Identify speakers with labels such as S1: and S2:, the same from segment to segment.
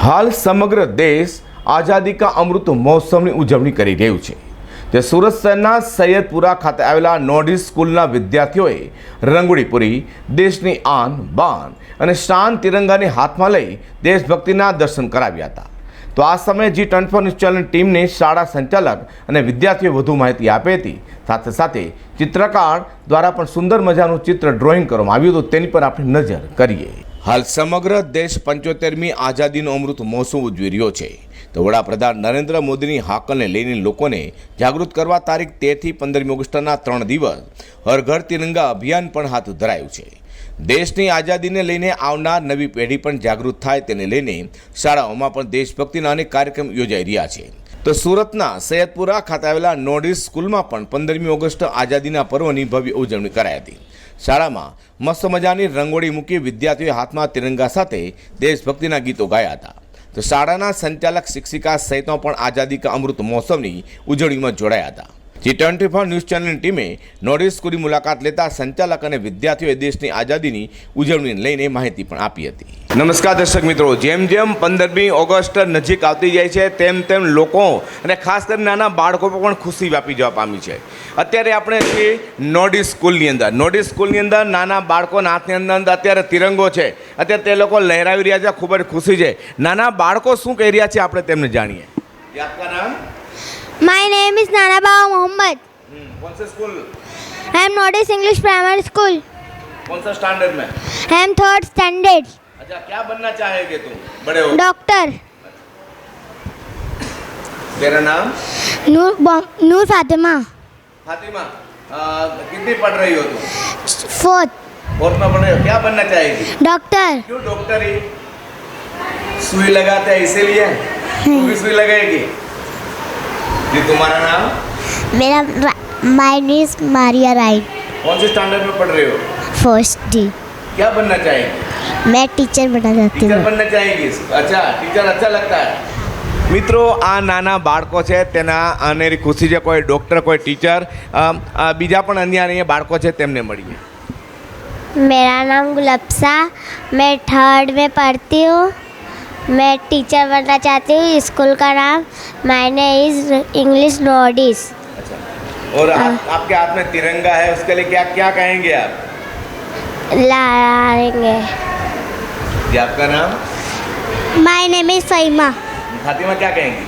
S1: हाल समग्र देश आज़ादी का अमृत महोत्सव की उजवणी કરી રહ્યું છે। જે સુરત શહેરના સૈયદપુરા ખાતે આવેલા નોર્ડિસ સ્કૂલના વિદ્યાર્થીઓએ રંગોળી પૂરી દેશની આન બાન અને શાન તિરંગાને હાથમાં લઈ દેશભક્તિના દર્શન કરાવ્યા હતા। તો આ સમયે G24 ન્યૂઝ ચેનલ ટીમને શાળા સંચાલક અને વિદ્યાર્થીઓએ વધુ માહિતી આપી હતી। સાથે સાથે ચિત્રકાર દ્વારા પણ સુંદર મજાનું ચિત્ર ડ્રોઈંગ કરવામાં આવ્યું હતું, તેની પર આપણે નજર કરીએ। हाल समग्र देश 75મી आज़ादीનો अमृत महोत्सव उजवी રહ્યો છે। तो वडाप्रधान नरेंद्र मोदीની હાકલને લઈને લોકોને જાગૃત કરવા તારીખ 13 થી 15મી ઓગસ્ટના 3 દિવસ હર ઘર તિરંગા અભિયાન પણ હાથ ધરાયું છે। દેશની આઝાદીને લઈને આવનાર નવી પેઢી પણ જાગૃત થાય તેને લઈને શાળાઓમાં પણ દેશભક્તિના અનેક કાર્યક્રમ યોજાઈ રહ્યા છે। તો સુરતના સૈયદપુરા ખાતે આવેલા નોર્ડિસ સ્કૂલમાં પણ 15મી ઓગસ્ટ આઝાદીના પર્વની ભવ્ય ઉજવણી કરાઈ હતી। શાળામાં મસ્ત મજાની રંગોળી મૂકી વિદ્યાર્થીઓએ હાથમાં તિરંગા સાથે દેશભક્તિના ગીતો ગાયા હતા। તો શાળાના સંચાલક શિક્ષિકા સહિતનો પણ આઝાદી કા અમૃત મહોત્સવની ઉજવણીમાં જોડાયા હતા। G24 ન્યૂઝ ચેનલની ટીમે નોર્ડિસ સ્કૂલની મુલાકાત લેતા સંચાલક અને વિદ્યાર્થીઓએ દેશની આઝાદીની ઉજવણીને લઈને માહિતી પણ આપી હતી। નમસ્કાર દર્શક મિત્રો, જેમ જેમ 15મી ઓગસ્ટ નજીક આવતી જાય છે તેમ તેમ લોકો અને ખાસ કરીને નાના બાળકો પર પણ ખુશી વ્યાપી જવા પામી છે। અત્યારે આપણે છીએ નોર્ડિસ સ્કૂલની અંદર। નોર્ડિસ સ્કૂલની અંદર નાના બાળકોના હાથની અંદર અત્યારે તિરંગો છે, અત્યારે તે લોકો લહેરાવી રહ્યા છે, ખૂબ જ ખુશી છે। નાના બાળકો શું કહી રહ્યા છે આપણે તેમને જાણીએ। આપકા નામ?
S2: My name is Nana Baba Mohammed.
S1: कौन से school?
S2: I am Notice English Primary School.
S1: कौन सा स्टैंडर्ड में?
S2: I am 3rd standard.
S1: अच्छा, क्या बनना चाहेगे तुम बड़े हो?
S2: Doctor.
S1: तेरा नाम?
S2: Noor Fatima.
S1: फातिमा, कितनी पढ़ रही हो तुम?
S2: 4th.
S1: फोर्थ में पढ़ रही हो, क्या बनना चाहेगी?
S2: Doctor.
S1: क्यों डॉक्टर ही? सुई लगाते हैं इसीलिए? तू भी सुई लगाएगी? जी, तुम्हारा नाम?
S2: मेरा My name is Maria Wright.
S1: कौन से स्टैंडर्ड में पढ़ रहे हो?
S2: 1st D.
S1: क्या बनना चाहेगी?
S2: मैं टीचर बनना चाहती
S1: टीचर
S2: हूँ।
S1: बनना चाहेगी? अच्छा, टीचर अच्छा लगता है। મિત્રો, આ નાના બાળકો છે તેના અનેરી ખુશી છે। કોઈ ડૉક્ટર, કોઈ ટીચર, બીજા પણ અન્ય બાળકો છે તેમને મળીએ।
S2: मेरा नाम गुलप्सा, मैं 3rd में पढ़ती हूँ। मैं टीचर बनना चाहती हूँ। स्कूल का नाम मायने इज इंग्लिश नॉर्डिस।
S1: अच्छा, और आपके हाथ में तिरंगा है, उसके लिए क्या क्या कहेंगे आप?
S2: लहराएंगे।
S1: जी, आपका नाम?
S2: My name is Fahima.
S1: Fatima, क्या कहेंगी?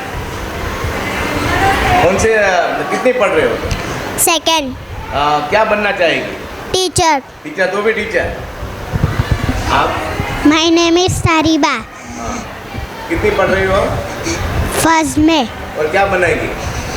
S1: कौन से कितनी पढ़ रहे हो?
S2: 2nd
S1: क्या बनना चाहेगी?
S2: टीचर।
S1: टीचर, तो भी टीचर। आप?
S2: My name is Sariba.
S1: कितनी पढ़ रही हो?
S2: 1st में।
S1: और क्या बनेगी?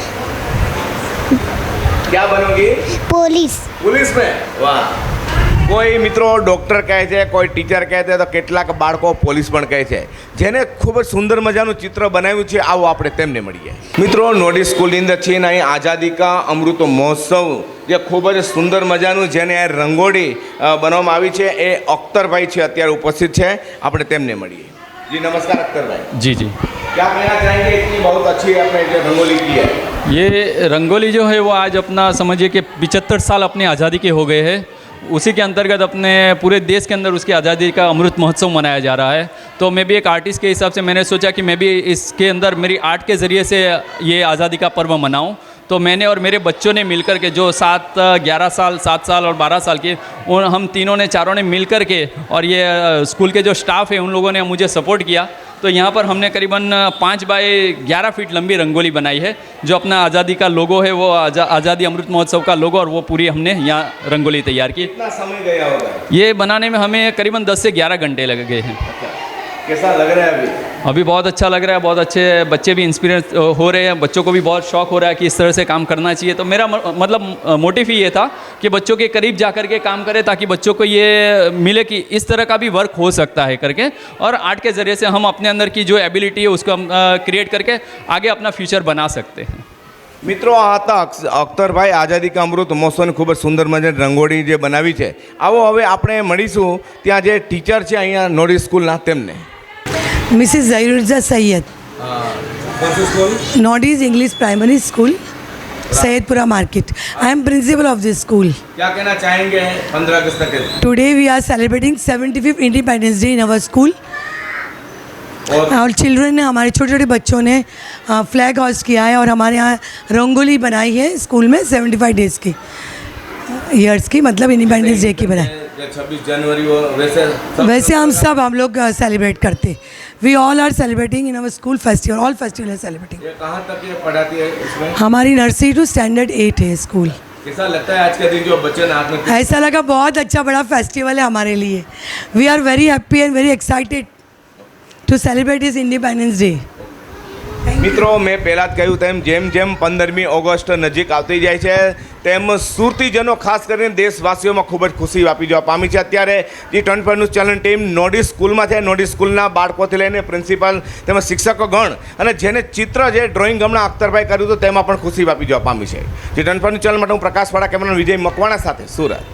S1: क्या बनोगी?
S2: पुलिस।
S1: पुलिस में? वाह। કોઈ મિત્રો ડૉક્ટર કહે છે, કોઈ ટીચર કહે છે, તો કેટલાક બાળકો પોલીસ પણ કહે છે, જેને ખૂબ જ સુંદર મજાનું ચિત્ર બનાવ્યું છે। આવો આપણે તેમને મળીએ। મિત્રો, નોર્ડિસ સ્કૂલની અંદર છે ને અહીં આઝાદી કા અમૃત મહોત્સવ જે ખૂબ જ સુંદર મજાનું જેને આ રંગોળી બનાવવામાં આવી છે એ અખ્તરભાઈ છે અત્યારે ઉપસ્થિત છે, આપણે તેમને મળીએ। जी नमस्कार अख्तर भाई।
S3: जी जी,
S1: क्या कहना चाहेंगे? इतनी बहुत अच्छी आपने जो रंगोली की है।
S3: ये रंगोली जो है वो आज अपना समझिए कि 75 साल अपनी आज़ादी के हो गए हैं। उसी के अंतर्गत अपने पूरे देश के अंदर उसकी आज़ादी का अमृत महोत्सव मनाया जा रहा है। तो मैं भी एक आर्टिस्ट के हिसाब से मैंने सोचा कि मैं भी इसके अंदर मेरी आर्ट के ज़रिए से ये आज़ादी का पर्व मनाऊं। तो मैंने और मेरे बच्चों ने मिलकर के जो 11 साल, 7 साल और 12 साल के, उन हम तीनों ने, चारों ने मिल कर के, और ये स्कूल के जो स्टाफ है उन लोगों ने मुझे सपोर्ट किया। तो यहाँ पर हमने करीबन 5 बाय 11 फीट लंबी रंगोली बनाई है, जो अपना आज़ादी का लोगो है, वो आज़ादी अमृत महोत्सव का लोगो, और वो पूरी हमने यहाँ रंगोली तैयार की।
S1: कितना समय गया होगा
S3: ये बनाने में हमें करीबन 10 से 11 घंटे लग गए हैं।
S1: कैसा लग रहा है अभी?
S3: अभी बहुत अच्छा लग रहा है, बहुत अच्छे बच्चे भी इंस्पिरेट हो रहे हैं, बच्चों को भी बहुत शौक हो रहा है कि इस तरह से काम करना चाहिए। तो मेरा मतलब मोटिव ही ये था कि बच्चों के करीब जा कर के काम करें, ताकि बच्चों को ये मिले कि इस तरह का भी वर्क हो सकता है करके, और आर्ट के ज़रिए से हम अपने अंदर की जो एबिलिटी है उसको हम क्रिएट करके आगे अपना फ्यूचर बना सकते हैं।
S1: મિત્રો, આ હતા અખ્તરભાઈ આઝાદી કા અમૃત મહોત્સવની ખૂબ જ સુંદર મજાની રંગોળી જે બનાવી છે। આવો હવે આપણે મળીશું ત્યાં જે ટીચર છે અહીંયા નોર્ડિસ સ્કૂલના તેમને।
S4: मिसेस ज़हीरुज़ा सैयद,
S1: कौन सी school?
S4: Nordis English primary school, Syedpura market. I am principal of this school.
S1: क्या कहना चाहेंगे 15 अगस्त के?
S4: Today we are celebrating 75th Independence Day in our school. और चिल्ड्रन ने, हमारे छोटे छोटे बच्चों ने फ्लैग होस्ट किया है और हमारे यहाँ रंगोली बनाई है स्कूल में 75 डेज़ की, ईयर्स की, मतलब इंडिपेंडेंस डे की बनाई।
S1: 26 जनवरी
S4: वैसे हम लोग सेलिब्रेट करते, we all are celebrating in our school festival, all festival are celebrating.
S1: ये कहाँ तक ये पढ़ाती है इसमें?
S4: हमारी नर्सरी टू स्टैंडर्ड 8 है स्कूल।
S1: कैसा लगता है आज के दिन जो बच्चे नाच में?
S4: ऐसा लगा बहुत अच्छा बड़ा फेस्टिवल है हमारे लिए। We are very happy and very excited to celebrate his Independence Day.
S1: મિત્રો, મેં પહેલાં જ કહ્યું તેમ જેમ જેમ 15મી ઓગસ્ટ નજીક આવતી જાય છે તેમ સુરતીજનો ખાસ કરીને દેશવાસીઓમાં ખૂબ જ ખુશી વ્યાપી જવા પામી છે. અત્યારે જે 24 ન્યૂઝ ચેનલ ટીમ નોડી સ્કૂલમાં છે, નોડી સ્કૂલના બાળકોથી લઈને પ્રિન્સિપાલ તેમજ શિક્ષકોગણ અને જેને ચિત્ર જે ડ્રોઈંગ હમણાં અખ્તરભાઈ કર્યું હતું તેમાં પણ ખુશી વ્યાપી જવા પામી છે. જે 24 ન્યૂઝ ચેનલ માટે હું પ્રકાશવાળા કેમેરામેન વિજય મકવાણા સાથે સુરત.